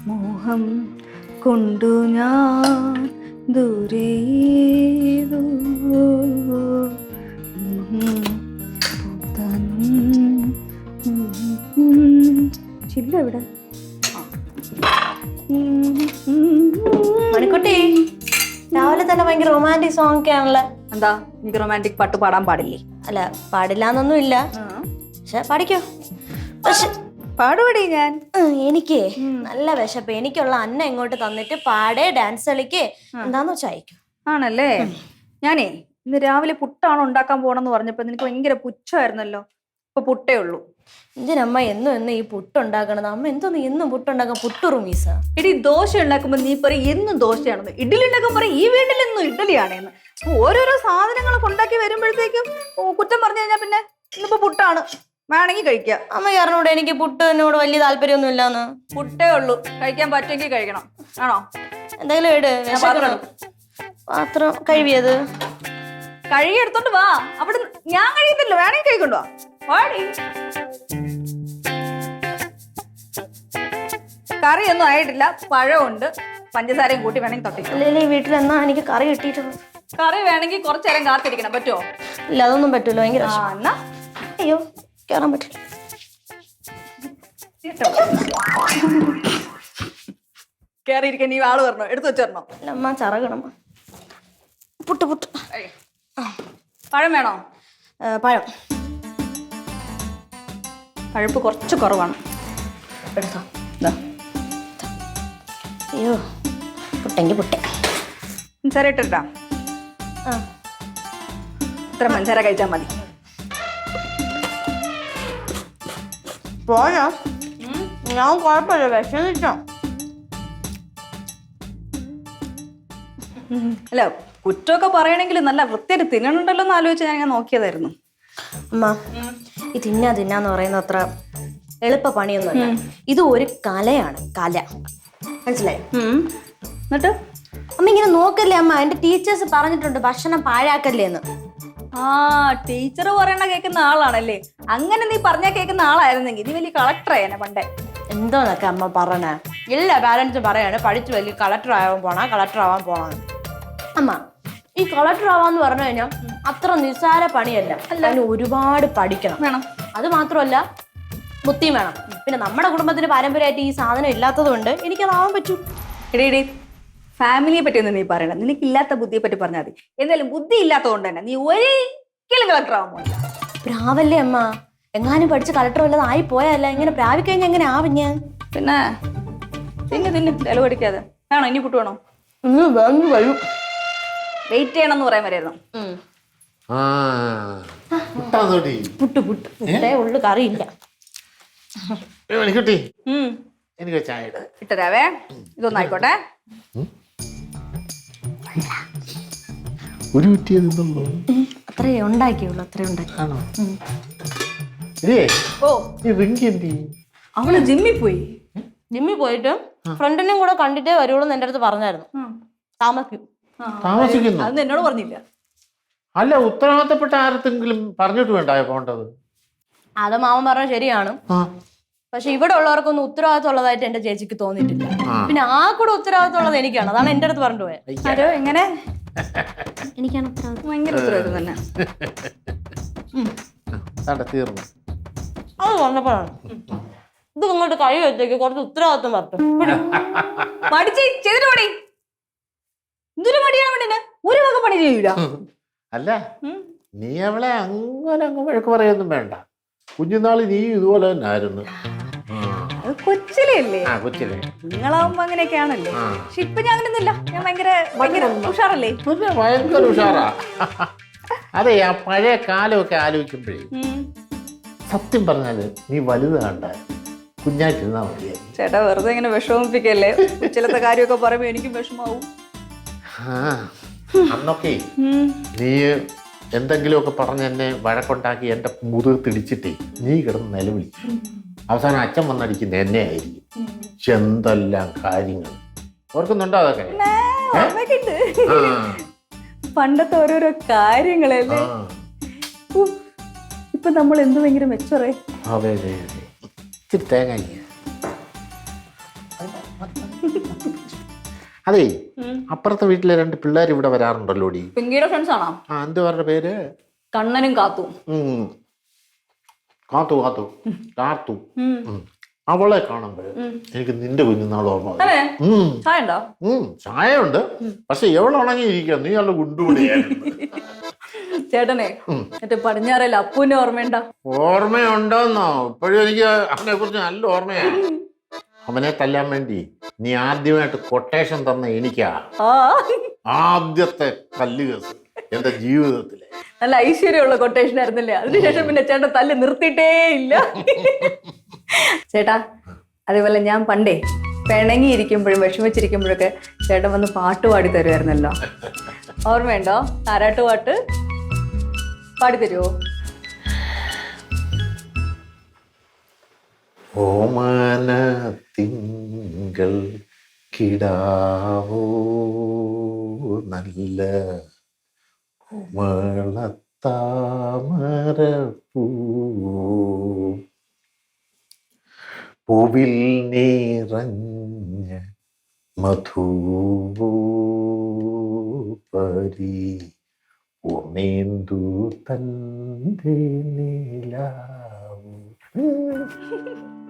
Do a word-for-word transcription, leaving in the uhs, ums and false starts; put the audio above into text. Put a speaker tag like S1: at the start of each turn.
S1: മോഹം കൊണ്ടു ഞാൻ ദൂരേതോ ചില്ല ഇവിടെ.
S2: മണിക്കുട്ടി രാവിലെ തന്നെ ഭയങ്കര റൊമാൻറ്റിക് സോങ് ഒക്കെ ആണല്ലോ.
S1: എന്താ എനിക്ക് റൊമാൻറ്റിക് പാട്ട് പാടാൻ പാടില്ലേ?
S2: അല്ല പാടില്ലാന്നൊന്നും ഇല്ല, പക്ഷെ പഠിക്കോ. പക്ഷെ
S1: പാടുപടി ഞാൻ.
S2: എനിക്ക് നല്ല വിശപ്പ്. എനിക്കുള്ള അന്ന ഇങ്ങോട്ട് തന്നിട്ട് പാടേ ഡാൻസ് കളിക്കേ എന്താന്ന് വെച്ചാ അയക്കും.
S1: ആണല്ലേ? ഞാനേ ഇന്ന് രാവിലെ പുട്ടാണ് ഉണ്ടാക്കാൻ പോണെന്ന് പറഞ്ഞപ്പോ നിനക്ക് ഭയങ്കര പുച്ഛമായിരുന്നല്ലോ. ഇപ്പൊ പുട്ടേ ഉള്ളൂ.
S2: ഇതിനമ്മ എന്നും എന്നും ഈ പുട്ടുണ്ടാക്കണത്. അമ്മ എന്തോന്ന് എന്നും പുട്ടുണ്ടാക്കാൻ? പുട്ടുറുമീസ.
S1: ഇടി ദോശ ഉണ്ടാക്കുമ്പോ നീ പറയും എന്നും ദോശയാണെന്ന്, ഇഡ്ഡലി ഉണ്ടാക്കുമ്പോ പറയും ഈ വീട്ടിലെന്നും ഇഡ്ഡലിയാണേന്ന്. ഓരോരോ സാധനങ്ങളൊക്കെ ഉണ്ടാക്കി വരുമ്പോഴത്തേക്കും കുറ്റം പറഞ്ഞു കഴിഞ്ഞാൽ പിന്നെ ഇന്നിപ്പോ പുട്ടാണ്, വേണമെങ്കിൽ കഴിക്കാം.
S2: അമ്മ കാരണോട് എനിക്ക് പുട്ടിനോട് വലിയ താല്പര്യമൊന്നും ഇല്ലാന്ന്.
S1: പുട്ടേ ഉള്ളൂ, കഴിക്കാൻ പറ്റുമെങ്കിൽ കഴിക്കണം. ആണോ?
S2: എന്തെങ്കിലും ഇട്. പാത്രം കഴുകിയത്
S1: കഴുകി എടുത്തോണ്ട് വാ. അവിടെ ഞാൻ കഴിയത്തില്ലോ, വേണമെങ്കിൽ കഴിക്കൊണ്ടോ വാടി. കറിയൊന്നും ആയിട്ടില്ല, പഴമുണ്ട്, പഞ്ചസാരയും കൂട്ടി വേണമെങ്കിൽ തൊട്ടി.
S2: അല്ലെങ്കിൽ ഈ വീട്ടിൽ എന്നാ എനിക്ക് കറി കിട്ടിയിട്ടുള്ളത്?
S1: കറി വേണമെങ്കിൽ കുറച്ചു നേരം കാത്തിരിക്കണം. പറ്റുമോ?
S2: ഇല്ല, അതൊന്നും പറ്റൂല. ഭയങ്കര
S1: എന്നാ
S2: അയ്യോ കേറാൻ പറ്റില്ല.
S1: കേറിയിരിക്കാൻ നീ ആള് വരണോ? എടുത്തു വെച്ചേരണോ?
S2: അമ്മ ചറകണം. പുട്ട് പുട്ട്.
S1: പഴം വേണോ?
S2: പഴം
S1: പഴുപ്പ് കുറച്ച് കുറവാണ്.
S2: എടുത്തോ. അയ്യോ പുട്ടെങ്കിൽ പുട്ടെ.
S1: പഞ്ചസാര ഇട്ടിട്ടാ?
S2: ആ
S1: ഇത്ര പഞ്ചസാര കഴിച്ചാൽ മതി.
S2: പോയാ ഞാൻ കുഴപ്പമില്ല, വിഷമിച്ചോ.
S1: അല്ല കുറ്റമൊക്കെ പറയണെങ്കിൽ നല്ല വൃത്തിയായിട്ട് തിന്നണുണ്ടല്ലോ എന്ന് ആലോചിച്ച് ഞാൻ നോക്കിയതായിരുന്നു.
S2: അമ്മ ഈ തിന്നാ തിന്നാന്ന് പറയുന്ന അത്ര എളുപ്പ പണിയൊന്നുമല്ല. ഇത് ഒരു കലയാണ്, കല. മനസ്സിലായോ?
S1: എന്നിട്ട്
S2: അമ്മ ഇങ്ങനെ നോക്കല്ലേ അമ്മ. എന്റെ ടീച്ചേഴ്സ് പറഞ്ഞിട്ടുണ്ട് ഭക്ഷണം പാഴാക്കല്ലേ എന്ന്.
S1: ആ ടീച്ചർ പറയണ കേൾക്കുന്ന ആളാണല്ലേ? അങ്ങനെ നീ പറഞ്ഞാ കേൾക്കുന്ന ആളായിരുന്നെങ്കിൽ നീ വലിയ കളക്ടറായേനെ പണ്ടേ.
S2: എന്തോന്നൊക്കെ അമ്മ പറഞ്ഞ. എല്ലാ പാരന്റ്സും പറയാണ് പഠിച്ചു വലിയ കളക്ടർ ആവാൻ പോണ കളക്ടർ ആവാൻ പോണ. അമ്മ ഈ കളക്ടർ ആവാന്ന് പറഞ്ഞു കഴിഞ്ഞാൽ അത്ര നിസ്സാര പണിയല്ല. അതിന് ഒരുപാട് പഠിക്കണം
S1: വേണം.
S2: അത് മാത്രമല്ല ബുദ്ധിയും വേണം. പിന്നെ നമ്മുടെ കുടുംബത്തിന് പാരമ്പര്യമായിട്ട് ഈ സാധനം ഇല്ലാത്തത് കൊണ്ട് എനിക്കതാവാൻ പറ്റൂ.
S1: ഇടേ ഇടേ ഫാമിലിയെ പറ്റിയൊന്നും നീ പറയണ്ട. നിനക്കില്ലാത്ത ബുദ്ധിയെ പറ്റി പറഞ്ഞാൽ മതി. എന്തായാലും ബുദ്ധി ഇല്ലാത്തത് കൊണ്ട് തന്നെ നീ ഒരിക്കലും കളക്ടർ ആവാൻ പോയില്ല.
S2: പ്രാവല്ലേ അമ്മ? എങ്ങാനും പഠിച്ച് കളക്ടർ വല്ലതും ആയി പോയല്ല. ഇങ്ങനെ പ്രാവിക്കഴിഞ്ഞാൽ എങ്ങനെ ആവും ഞാൻ?
S1: പിന്നെ തിന്നു തിന്നു വില പഠിക്കാതെ. വേണോ ഇനി പുട്ട് വേണോ?
S2: വരും.
S1: വെയിറ്റ് ചെയ്യണം എന്ന് പറയാൻ വരായിരുന്നു.
S2: പുട്ട് പുട്ട് പുട്ടേ ഉള്ളു, കറിയില്ല.
S3: എനിക്ക് ചായ
S1: ഇട്ടരാവേ. ഇതൊന്നായിക്കോട്ടെ.
S3: ഒരു കുറ്റിയല്ലോ
S2: അത്രേ ഉണ്ടാക്കിയുള്ളൂ, അത്രേ ഉണ്ടാക്കി.
S1: ഓ
S3: റിങ്കി
S1: അവള് ജിമ്മിൽ പോയി.
S2: ജിമ്മിൽ പോയിട്ട് ഫ്രണ്ടിനെയും കൂടെ കണ്ടിട്ടേ വരുള്ളൂ എന്റെ അടുത്ത് പറഞ്ഞായിരുന്നു. താമസിക്കും.
S3: താമസിക്കുന്നു.
S1: അത് എന്നോട് പറഞ്ഞില്ല.
S3: അല്ല ഉത്തരവാദിത്തപ്പെട്ട ആരത്തെങ്കിലും പറഞ്ഞിട്ട് വേണ്ടായോ പോണ്ടത്?
S2: അത് മാമൻ പറഞ്ഞ ശരിയാണ്. പക്ഷെ ഇവിടെ ഉള്ളവർക്കൊന്നും ഉത്തരവാദിത്വം ഉള്ളതായിട്ട് എന്റെ ചേച്ചിക്ക് തോന്നിയിട്ടില്ല. പിന്നെ ആ കൂടെ ഉത്തരവാദിത്വം ഉള്ളത് എനിക്കാണ്. അതാണ് എന്റെ അടുത്ത് പറഞ്ഞു പോയത്.
S1: ആരോ എങ്ങനെ?
S2: എനിക്കാണ് ഉത്തരവാദിത്വം.
S1: ഭയങ്കര ഉത്തരവാദിത്വം തന്നെ.
S3: തീർന്നു.
S2: അത് പറഞ്ഞപ്പോഴാണ് ഇത് ഇങ്ങോട്ട് കൈ വെച്ചേക്ക് കുറച്ച് ഉത്തരവാദിത്വം പറഞ്ഞു.
S1: മടിച്ച് ചെയ്തിട്ട് പണി. എന്തൊരു മടിയാണ് പെണ്ണിന്. ഒരു വക പണി ചെയ്യൂല.
S3: അല്ല നീ അവളെ അങ്ങനെ അങ്ങ് വഴക്ക് പറയൊന്നും വേണ്ട. കുഞ്ഞുനാള് നീ ഇതുപോലെ തന്നെ ആയിരുന്നു.
S1: കൊച്ചിലേ അല്ലേ?
S3: കൊച്ചിലെ
S1: നിങ്ങളാവുമ്പോ അങ്ങനെയൊക്കെയാണല്ലേ. പക്ഷെ ഇപ്പൊ ഞാൻ അങ്ങനെയൊന്നുമില്ല. ഞാൻ ഭയങ്കര ഭയങ്കര ഉഷാറല്ലേ?
S3: ഭയങ്കര ഉഷാറാ. അതെ, ആ പഴയ കാലമൊക്കെ ആലോചിക്കുമ്പോഴേ സത്യം പറഞ്ഞാല് നീ വലുത് കണ്ട കുഞ്ഞായിട്ടിരുന്നാ മതിയായിരുന്നു.
S1: ചേട്ടാ വെറുതെ ഇങ്ങനെ വിഷമിപ്പിക്കല്ലേ. ചിലത്തെ കാര്യമൊക്കെ പറയുമ്പോ എനിക്കും വിഷമാവും.
S3: അന്നൊക്കെ നീ എന്തെങ്കിലുമൊക്കെ പറഞ്ഞ് എന്നെ വഴക്കുണ്ടാക്കി എന്റെ മുതിർത്തിടിച്ചിട്ടേ നീ കിടന്ന് നിലവിളിച്ചു. അവസാനം അച്ഛൻ വന്നടിക്കുന്ന എന്നെ ആയിരിക്കും. എന്തെല്ലാം കാര്യങ്ങൾ ഓർക്കുന്നുണ്ടോ അതൊക്കെ?
S1: പണ്ടത്തെ ഓരോരോ കാര്യങ്ങളല്ലേ. ഇപ്പൊ നമ്മൾ എന്ത് ഭയങ്കര മെച്ചറേ.
S3: അതെ അതെ അതെ. ഇത്തിരി തേങ്ങ അതേ അപ്പുറത്തെ വീട്ടിലെ രണ്ട് പിള്ളേർ ഇവിടെ വരാറുണ്ടല്ലോ ഡി.
S1: പിങ്കിയുടെ ഫ്രണ്ട്സ് ആണോ?
S3: ആ എന്തുവാരുടെ പേര്?
S1: കണ്ണനും കാത്തും.
S3: ഉം. കാത്തു കാത്തു കാത്തു ഉം. അവളെ കാണുമ്പോൾ എനിക്ക് നിന്റെ കുഞ്ഞുനാൾ ഓർമ്മ വരും.
S1: അതെ
S3: ഉം.
S1: ചായ ഉണ്ടോ?
S3: ഉം. ചായ ഉണ്ട്, പക്ഷെ എവളുണങ്ങിയിരിക്കുക, നീ നല്ല ഗുണ്ടുകൂടിയായിരുന്നു.
S1: ചേട്ടനെ മറ്റേ പടിഞ്ഞാറല്ല അപ്പൂനെ ഓർമ്മയുണ്ടോ?
S3: ഓർമ്മയുണ്ടോന്നോ? ഇപ്പോഴും എനിക്ക് അവനെ കുറിച്ച് നല്ല ഓർമ്മയാണ്. അവനെ തല്ലാൻ വേണ്ടി നീ ആദ്യമായിട്ട് കൊട്ടേഷൻ തന്ന എനിക്കാ
S1: ആ
S3: ആദ്യത്തെ കല്ല് കേസ് എന്റെ ജീവിതത്തിലെ.
S1: നല്ല ഐശ്വര്യമുള്ള കൊട്ടേഷൻ ആയിരുന്നില്ലേ? അതിനുശേഷം പിന്നെ ചേട്ടൻ തല്ല് നിർത്തിയിട്ടേ ഇല്ല. ചേട്ടാ അതേപോലെ ഞാൻ പണ്ടേ പിണങ്ങിയിരിക്കുമ്പോഴും വിഷമിച്ചിരിക്കുമ്പോഴൊക്കെ ചേട്ടൻ വന്ന് പാട്ട് പാടി തരുമായിരുന്നല്ലോ, ഓർമ്മയുണ്ടോ? താരാട്ട് പാട്ട് പാടി തരുമോ?
S3: ഓമന തിങ്കൾ കിടാവോ നല്ല കോമളത്താമര പൂവിൽ നിറഞ്ഞ മധുപരി ഉമേന്ദു തന്റെ നിലാവു.